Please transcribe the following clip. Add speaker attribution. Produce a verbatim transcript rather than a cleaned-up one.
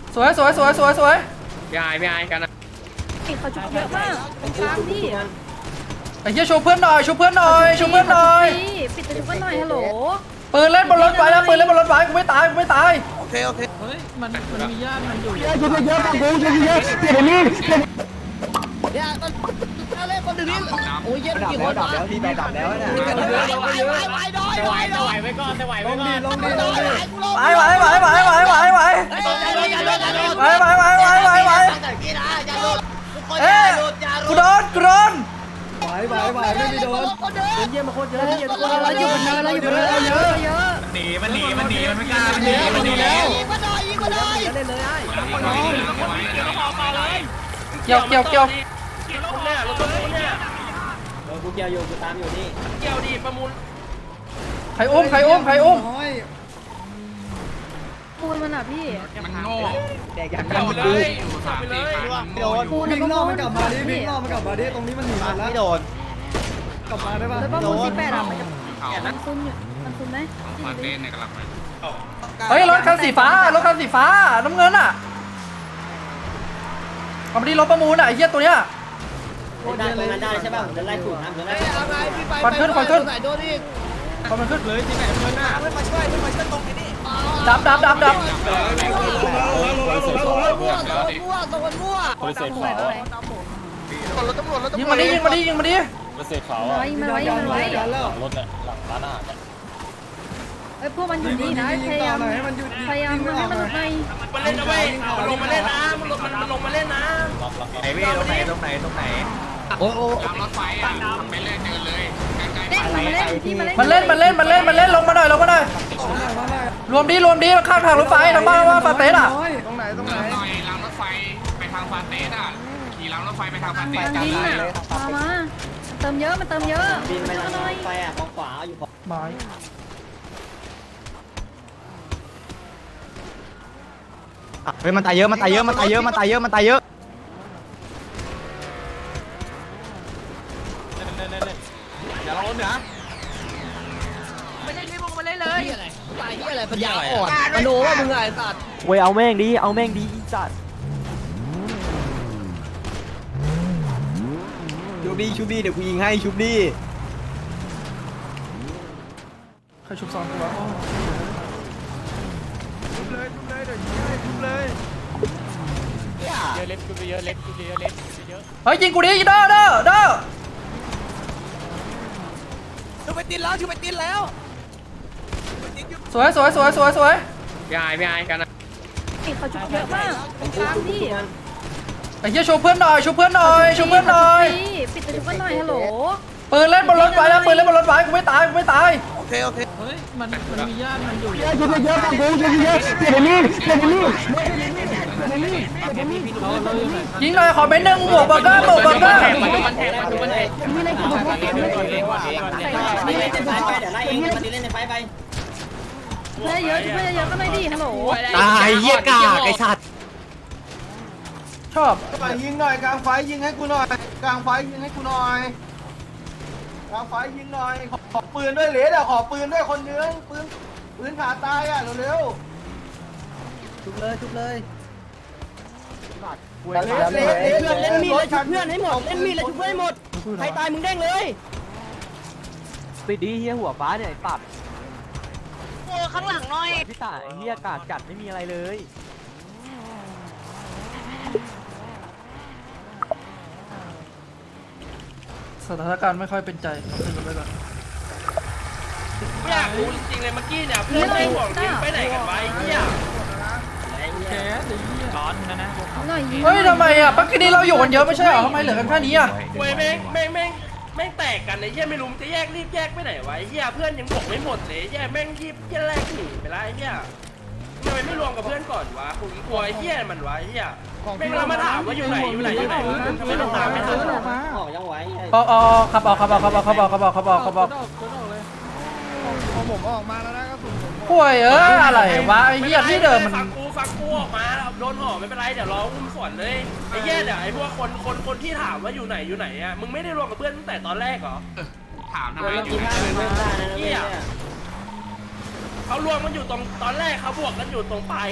Speaker 1: สวยสวยสวยสวยสวย
Speaker 2: พี่ไอพี่ไอกันนะ
Speaker 3: เขาชุบเยอะมากตรงกลางพี่
Speaker 1: ไอ้เหี้ยชูเพื่อนหน่อยชูเพื่อนหน่อยชูเพื่อนหน่อย
Speaker 3: ปิดตัวชุบกันหน่อยฮัลโหล
Speaker 1: ปืนเล่นบนรถไฟนะปืนเล่นบนรถไฟกูไม่ตายกูไม่ตาย
Speaker 4: โอเคโอเค
Speaker 5: เฮ้ยมันมันมีญาติมันอยู่
Speaker 6: เยอะเยอะฟังกูเยอะเยอะเปลี่ยนนี่
Speaker 4: เนี่ยมันเล่นคนดึงนี่โอ้ยเย็นกี่คน
Speaker 6: ดับแล้วพี่ดับแล้วนะ
Speaker 4: ไหวไหวไหวไหวไหว
Speaker 2: ไหวไว้ก่อนไหวไว้ก่อน
Speaker 6: ลงดิลงดิ
Speaker 1: ไหวไหวไหวไหวไหวไหวไหวไหวไหวไหวไหวไหวเอ้ยกูโดนกูโดน
Speaker 6: ไหวไหวไหวไม่มีโดนเป็นเยี่ยมมาโคตรเยอะเยี่ยมโคตร
Speaker 3: เราอยู่บนเนินเราอยู่บนเนินเราเยอะเยอะ
Speaker 2: หนีมันหนีมันหนีมันไม่กล้ามันหนีมันหนีแล้ว
Speaker 6: เล่นเลยไอ้
Speaker 1: เกี่ยวเกี่ยวเกี่ยว
Speaker 2: เนี่ยรถตู้เนี่ย
Speaker 6: กูเกี่ยวอยู่กูตามอยู่นี่
Speaker 2: เกี่ยวดีประมูล
Speaker 1: ใครอุ้มใครอุ้มใครอุ้ม
Speaker 3: ปูนมันอ่ะพี่
Speaker 2: มันโง่
Speaker 6: แดกอย่าง
Speaker 2: เกี่ยวเลยสับไปเลย
Speaker 6: โดนวิ่งล่อมันกลับมาดิวิ่งล่อมันกลับมาดิตรงนี้มันหนีมาแล้วไม่โดนกลับมาได้ป่ะ
Speaker 3: แล้วประมูลสิบแปดอ่ะมันจะมันคุ้มอยู่มันคุ้มไหม
Speaker 2: มาเล่นในกระลับไป
Speaker 1: เฮ้ยรถคันสีฟ้ารถคันสีฟ้าน้ำเงินอ่ะเอามาดิรถประมูลอ่ะไอ้เหี้ยตัวเนี้ย
Speaker 6: ได้ตรงนั้นได้ใช่ป่ะผมจะไล่ถูกนะผมจะไล่
Speaker 1: ควันขึ้นควันขึ้น
Speaker 4: โดนอีก
Speaker 1: ควันมันขึ้น
Speaker 5: เลยที่ไหนเพื่อนหน้า
Speaker 4: เพื่อนมาช่วยเพื่อนมาช่วยตรงนี้
Speaker 1: ดับดับดับดับ
Speaker 4: มั่วมั่วมั่วตรงมั่ว
Speaker 3: ตรงไหนตรงไหน
Speaker 4: รถตำรวจรถ
Speaker 1: ยิง
Speaker 4: ตำรว
Speaker 1: มา
Speaker 4: จ
Speaker 1: ดิยิงมาดิยิงมาดิ
Speaker 3: ไว้มันไว้มันไว้
Speaker 6: แล้ว
Speaker 3: เอ้ยพวกมันอยู่นี่นะพยายามพยายามทำให้มันหลุดใน
Speaker 2: มันเล่นนะเว้ยมันลงมาเล่นนะมันลงมันลงมาเล่นนะไหนเว้ยตรงไหนตรงไหนตรงไหน
Speaker 6: โอ้โห
Speaker 2: รถไฟอ่ะไปเล่นเดินเลยใกล้
Speaker 3: เล่นมันเล่นพี่มันเล่น
Speaker 1: มันเล่นมันเล่นมันเล่นมันเล่นลงมาหน่อยลงมาหน่อยรวมดิรวมดิข้างทางรถไฟทางบ้านว่าฟาเตสอ่ะ
Speaker 6: ตรงไหนตรงไหน
Speaker 2: หน่อยรางรถไฟไปทางฟาเตสอ่ะขี่รางรถไฟไปทางฟาเตส
Speaker 3: มันดิ้นอ่ะมามาเติมเยอะมันเติมเยอะ
Speaker 6: บินไป
Speaker 3: ช่วย
Speaker 6: ทาง
Speaker 3: หน่อย
Speaker 6: ไฟอ่ะของขวาอยู่
Speaker 1: ไม้
Speaker 7: เฮ้ยมันตายเยอะมันตายเยอะมันตายเยอะมันตายเยอะมันตายเยอะ
Speaker 2: อย่าลงเหนือ
Speaker 4: ไม่ใช่ที่มึงมาเล่นเลยตายที่อะไรปัญญาอ่อนมโนว่ามึงไงสัตว์
Speaker 7: เว้ยเอาแม่งดิเอาแม่งดิอีสัตว์
Speaker 6: ชูบี้ชูบี้เดี๋ยวกูยิงให้ชูบี้
Speaker 1: ใครชุบซองกูวะ
Speaker 2: เยอะเล็กกูเยอะเล็กกูเยอะเล็กเยอะ
Speaker 1: เฮ้ยยิงกูดิเด้อเด้อเด้อ
Speaker 4: ชูไปตินแล้วชูไปตินแล้ว
Speaker 1: สวยสวยสวยสวยสวย
Speaker 2: พี่ไอพี่ไอกันนะ
Speaker 3: เขาชุบเยอะมากตรงกลางพี่
Speaker 1: ไอ้เหี้ยชูเพื่อนหน่อยชูเพื่อนหน่อยชูเพื่อนหน่อย
Speaker 3: ปิดตัวชุบกันหน่อยฮัลโหล
Speaker 1: ปืนเล่นบนรถไฟนะปืนเล่นบนรถไฟกูไม่ตายกูไม่ตาย
Speaker 4: โอเคโอเค
Speaker 5: เฮ้ยมันมันมีญาติมันอยู่
Speaker 6: เยอะเยอะฟังกูเยอะเยอะเปลี่ยนนี่เปลี่ยนนี่
Speaker 5: เราเราอยู่ไหน
Speaker 1: ยิงหน่อยขอเม็ดหนึ่งหมวกเบอร์เกอร์หมวกเบอร์เกอร์
Speaker 2: มันแทงมันมันแทง
Speaker 6: นี่เล่นในไฟไปเดี๋ยวไล่เองมันเล่นในไฟไป
Speaker 3: เพื่อเยอะเพื่อเยอะก็ไม่ดีฮัลโหล
Speaker 7: ตายเหี้ยกากไอ้สัตว์
Speaker 1: ชอบ
Speaker 8: ยิงหน่อยกลางไฟยิงให้กูหน่อยกลางไฟยิงให้กูหน่อยกลางไฟยิงหน่อยขอขอปืนด้วยเลสอ่ะขอปืนด้วยคนนึงปืนปืนขาตายอ่ะเร็ว
Speaker 6: ชุบเลยชุบเลย
Speaker 8: ๆเลสเลสเลส
Speaker 6: เล่นมีดเลยชุบเพื่อนให้หมดเล่นมีดเลยชุบเพื่อนให้หมดใครตายมึงเด้งเลย
Speaker 7: ปิดดิเหี้ยหัวฟ้าเนี่ยไอ้สัตว์
Speaker 4: โอ้ข้างหลังหน่อย
Speaker 7: พี่ตายเหี้ยกากจัดไม่มีอะไรเลย
Speaker 1: สถานการณ์ไม่ค่อยเป็นใจขึ้นไปก่อน
Speaker 2: อยากรู้จริงๆเลยเมื่อกี้เนี่ยเพื่อนไม่ห่วงทีมไปไหนกันไปเฮีย
Speaker 5: แก๊สไอ้เหี้ย
Speaker 2: ร้อนนะนะ
Speaker 3: หน่อยยิง
Speaker 1: เฮ้ยทำไมอ่ะปักกี้นี้เราอยู่กันเยอะไม่ใช่เหรอทำไมเหลือกันแค่นี้อ่ะ
Speaker 2: เว้ยแม่งแม่งแม่งแม่งแตกกันไอ้เหี้ยไม่รู้จะแยกรีบแยกไปไหนวะไอ้เหี้ยเพื่อนยังบอกไม่หมดเลยแยกแม่งรีบแยกแรกหนีไปละไอ้เหี้ยทำไมไม่รวมกับเพื่อนก่อนวะกูกลัวไอ้เหี้ยมันวะไอ้เหี้ยแม่งเรามาถามว่าอยู่ไหนอยู่ไหนอยู่ไหนทำไมต้องตามไม่ทัน
Speaker 6: ออกยังไหว
Speaker 1: ออกออกขับออกขับออกขับออกขับออกขับออกขับออกขับออก
Speaker 5: กดออกเลย
Speaker 8: ผมออกมาแล้วนะกระสุนผม
Speaker 1: ป่วยเอออะไรวะไอ้เหี้ยที่เดิมมัน
Speaker 2: ฟังกูฟังกูออกมาโดนห่อไม่เป็นไรเดี๋ยวรออุ้มสวนเลยไอ้เหี้ยเดี๋ยวไอ้พวกคนคนคนที่ถามว่าอยู่ไหนอยู่ไหนอ่ะมึงไม่ได้รวมกับเพื่อนตั้งแต่ตอนแรกเหรอถามทำไมอยู่ไหนเหี้ยเขารวมกันอยู่ตรงตอนแรกเขาบวกกันอยู่ตรงปลาย